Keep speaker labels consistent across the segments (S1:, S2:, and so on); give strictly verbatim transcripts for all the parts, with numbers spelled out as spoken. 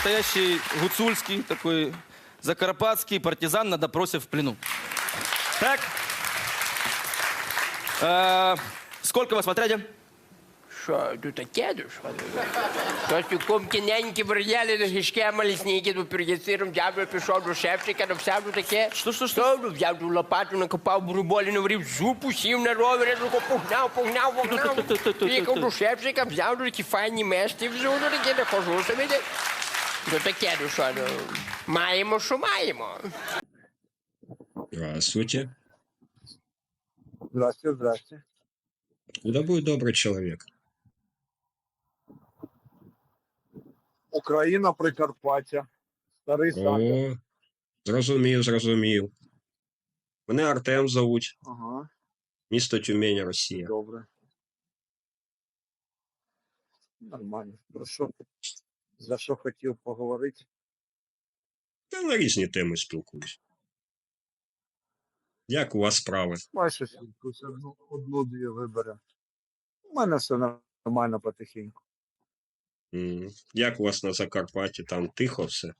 S1: Настоящий гуцульский, такой закарпатский партизан на допросе в плену. Так. Э, сколько вас в отряде?
S2: Що, тут таке, ну що? Тож у комтиненті бродяли до гішки, малісніки, до передяциром, дядько пішов до шефчика, написав до таке.
S1: Що, що, що?
S2: Що, ну, взяв ту лопату, накопав бурболі, наварив зупу, сів на ровері, ну, погнав, погнав, погнав. Приїхав до шефчика, взяв до такі файні мешти, взяв до таке, не хожу собі. До таке, ну що, ну, маємо, що маємо.
S3: Здравствуйте.
S4: Здрасте, здрасте.
S3: Куда будет добрый человек?
S4: Україна, Прикарпаття, Старий Сахар.
S3: О, зрозумів, зрозумів. Мене Артем зовуть,
S4: Ага,
S3: місто Тюмень, Росія.
S4: добре. Нормально. Про що? За що хотів поговорити?
S3: Та на різні теми спілкуюсь. Як у вас справи?
S4: Майже якусь одну, одну-дві виберемо. У мене все нормально потихеньку.
S3: М, Як у вас на Закарпатті? Там тихо все?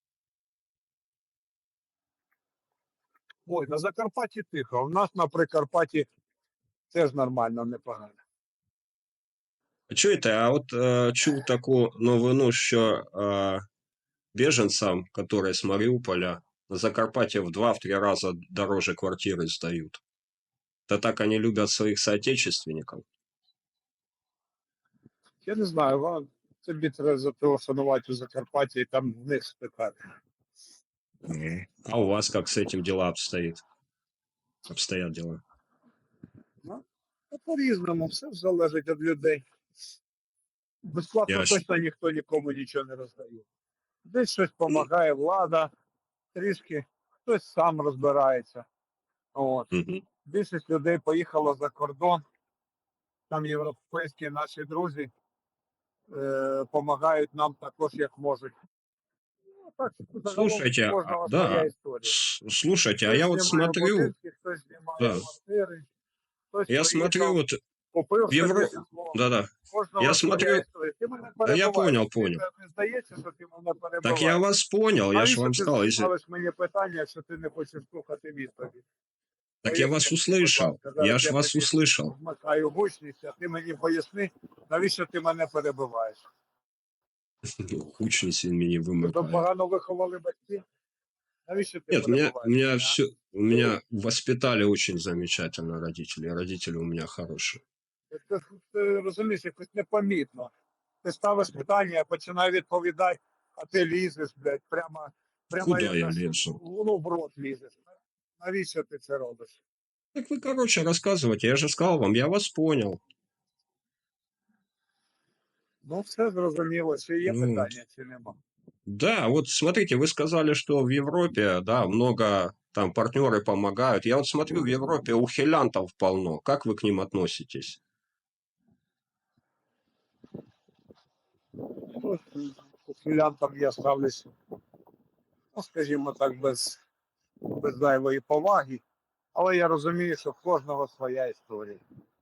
S4: Ой, на Закарпатті тихо. У нас на Прикарпатті теж нормально, непогано.
S3: Чуєте, а от е, чув таку новину, що е, біженцям, які з Маріуполя, на Закарпатті в два-три рази дороже квартири здають. Та так вони люблять своїх соотечественників.
S4: Я не знаю, вам тобі треба зателефонувати у Закарпатті і там в них спитати.
S3: А у вас как с этим дела обстоит? Обстоят дела.
S4: Ну, по-різному, все залежить від людей. Безплатно
S3: Я ж-
S4: точно ніхто нікому нічого не роздає. Десь щось допомагає влада, трішки хтось сам розбирається. От.
S3: Мгм.
S4: Більшість людей поїхало за кордон. Там європейські наші друзі допомагають нам також, як можуть. Ну, так, загалом
S3: Слушайте,
S4: у кожного
S3: а,
S4: своя
S3: да,
S4: історія.
S3: с- слушайте, а
S4: Хтось
S3: я вот
S4: знімає
S3: смотрю,
S4: будинки, хтось знімає
S3: Да.
S4: квартири, хтось
S3: я
S4: приїхав,
S3: смотрю, вот,
S4: купив
S3: в Євро-
S4: собі житло.
S3: да-да,
S4: Кожного
S3: я
S4: своя
S3: смотрю-
S4: історія. Ти мене
S3: я
S4: перебиваєш.
S3: понял,
S4: Тобі
S3: понял.
S4: Не здається, що ти мене перебиваєш.
S3: так я вас понял, я же
S4: Навіщо
S3: вам
S4: ти
S3: сказал, если...
S4: ставиш мені питання, якщо ти не хочеш слухати відповідь?
S3: Так я вас
S4: Поясни, будь
S3: услышал,
S4: ласка, зараз
S3: я ж вас
S4: тобі
S3: услышал.
S4: Вмикаю гучність, а ти мені поясни, навіщо ти мене перебиваєш?
S3: Хучність він мені
S4: Тебе
S3: вимикає.
S4: погано виховали батьки? Навіщо ти
S3: Нет, у меня, у
S4: перебиваєш?
S3: меня
S4: а?
S3: все, у меня воспитали очень замечательно родители, родители у меня хорошие.
S4: Ти, ти розумієш, якось непомітно. Ти ставиш питання, я починаю відповідати, а ти лізеш, блядь, прямо, прямо
S3: Куда
S4: як
S3: я
S4: наш-
S3: лезу?
S4: ну, в рот лізеш. Навіщо ти це робиш?
S3: Так вы, короче, рассказывайте, я же сказал вам, я вас понял.
S4: Ну, все зрозуміло, чи є
S3: Ну,
S4: питання, чи нема.
S3: Да, вот смотрите, вы сказали, что в Европе, да, много там партнеры помогают. Я вот смотрю, в Европе ухилянтов полно. Как вы к ним относитесь?
S4: Ну, к ухилянтам я ставлюсь, ну, скажімо так, без, без зайвої поваги. Але я розумію, що в кожного своя історія.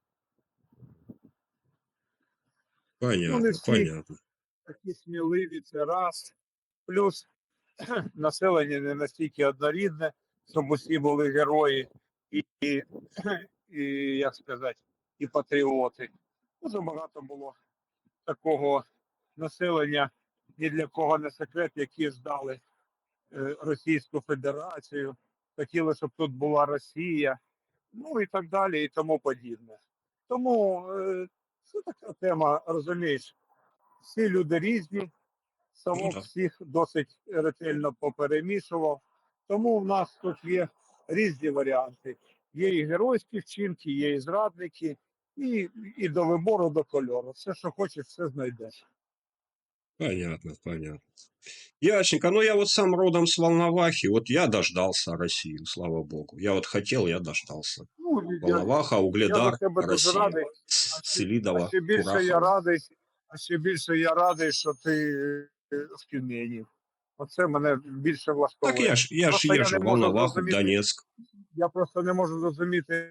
S4: Ну, не
S3: Понятно,
S4: всі
S3: понятно.
S4: такі сміливі, це раз. Плюс населення не настільки однорідне, щоб усі були герої і, і, і як сказати, і патріоти. Дуже багато було такого населення, ні для кого не секрет, які здали е, Російську Федерацію, хотіли, щоб тут була Росія, ну і так далі, і тому подібне. Тому е, це така тема, розумієш, всі люди різні,
S3: Ну
S4: Савок
S3: да.
S4: всіх досить ретельно поперемішував. Тому в нас тут є різні варіанти. Є і геройські вчинки, є і зрадники, і, і до вибору, до кольору. Все, що хочеш, все знайдеш.
S3: Понятно, понятно. Ясненько. Ну, я вот сам родом с Волновахи. Вот я дождался Россию, слава богу. Я вот хотел, я дождался.
S4: Ну, я,
S3: Волноваха,
S4: я за
S3: Угледар,
S4: тебе дуже
S3: Россия.
S4: радий.
S3: С-
S4: А ще,
S3: Селидово,
S4: а ще більше я
S3: Курахово.
S4: радий, а ще більше я радий, що ти е, в Тюмені. Оце мене більше
S3: Так
S4: влаштовує.
S3: я ж, я ж
S4: Просто я
S3: езжу
S4: не
S3: в
S4: можу
S3: Волноваху, в
S4: зрозуміти,
S3: Донецк.
S4: я просто не можу зрозуміти,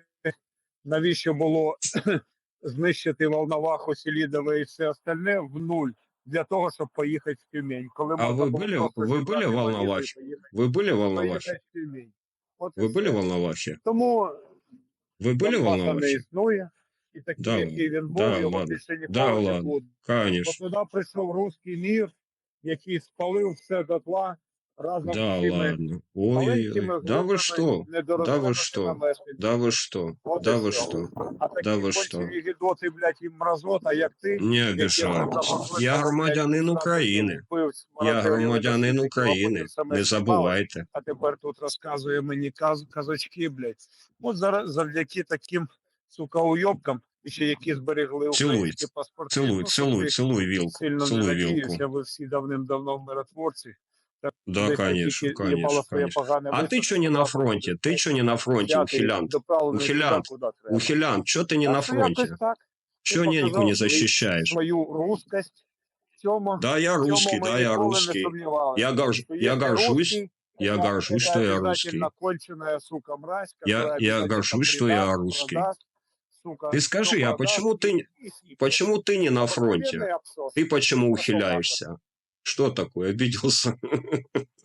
S4: навіщо було знищити Волноваху, Селідове і все остальне в нуль. для того, щоб поїхати в Тюмень. Коли
S3: А
S4: можна
S3: ви
S4: було
S3: були,
S4: просто
S3: ви були
S4: зібрати
S3: в
S4: валізу і
S3: Волновахе?
S4: поїхати-
S3: Вы были в Волновахе?
S4: поїхати в Тюмень. От і
S3: Вы были
S4: все.
S3: в Волновахе?
S4: Тому
S3: Вы были в
S4: Донбаса не
S3: Волновахе?
S4: існує, і такий,
S3: Да
S4: який він був,
S3: да
S4: його
S3: ладно.
S4: більше ніколи
S3: Да
S4: не
S3: ладно.
S4: буде. Бо
S3: Конечно.
S4: туди прийшов руський мір, який спалив все дотла разом
S3: Да
S4: з цими
S3: ладно. Ой,
S4: маленькими
S3: да вы что?
S4: групами
S3: Да вы
S4: недорозвинутими
S3: что?
S4: мешканцями.
S3: Да вы что?
S4: От
S3: Да
S4: і
S3: вы
S4: все.
S3: что?
S4: А такі
S3: Да ви що?
S4: кончені гідоти, блядь, і мразота, як ти,
S3: Не
S4: які
S3: обижайтесь. Я громадянин України.
S4: вбивць,
S3: Я
S4: мародерів,
S3: громадянин
S4: насильників,
S3: України.
S4: а потім саме
S3: Не
S4: знімали,
S3: забувайте.
S4: а тепер тут розказує мені каз, казочки, блядь. От зараз завдяки таким, сука, уйобкам, і ще які зберегли
S3: Цілуй,
S4: українські паспорти.
S3: Цілуй,
S4: Ну,
S3: цілуй,
S4: собі
S3: цілуй вілку.
S4: Сильно не
S3: Цілуй
S4: надіюся,
S3: вілку.
S4: ви всі давним-давно в миротворці. Так,
S3: Да,
S4: десь
S3: конечно,
S4: тільки
S3: конечно,
S4: їбало своє
S3: конечно.
S4: погане
S3: А ты
S4: висунути,
S3: что не на
S4: туди
S3: фронте?
S4: буде
S3: Ты что не на фронте,
S4: взяти і
S3: ухилянт?
S4: доправлений туди,
S3: Ухилянт,
S4: куди треба.
S3: ухилянт, что ты не
S4: Так
S3: на
S4: що
S3: фронте?
S4: якось так.
S3: Чё
S4: Ти
S3: неньку
S4: показав
S3: не
S4: свій-
S3: защищаешь?
S4: свою русскость. В цьому,
S3: Да, я
S4: в цьому
S3: русский,
S4: ми
S3: да, я
S4: ніколи не
S3: русский.
S4: сомневались.
S3: Я, горж...
S4: Что
S3: я
S4: если
S3: горжусь,
S4: русский,
S3: я
S4: это-
S3: горжусь,
S4: это
S3: что я
S4: обязательно
S3: русский.
S4: конченая, сука, мразь,
S3: Я-
S4: которая
S3: я
S4: обязательно
S3: горжусь, что я
S4: предаст,
S3: русский.
S4: продаст, сука,
S3: Ты скажи,
S4: всё
S3: а
S4: продаст
S3: почему ты,
S4: и-
S3: не-
S4: и сипнет.
S3: почему ты не на
S4: Обыкновенный
S3: фронте?
S4: абсос.
S3: Ты почему
S4: Вот так вот.
S3: ухиляешься? Что такое, обиделся?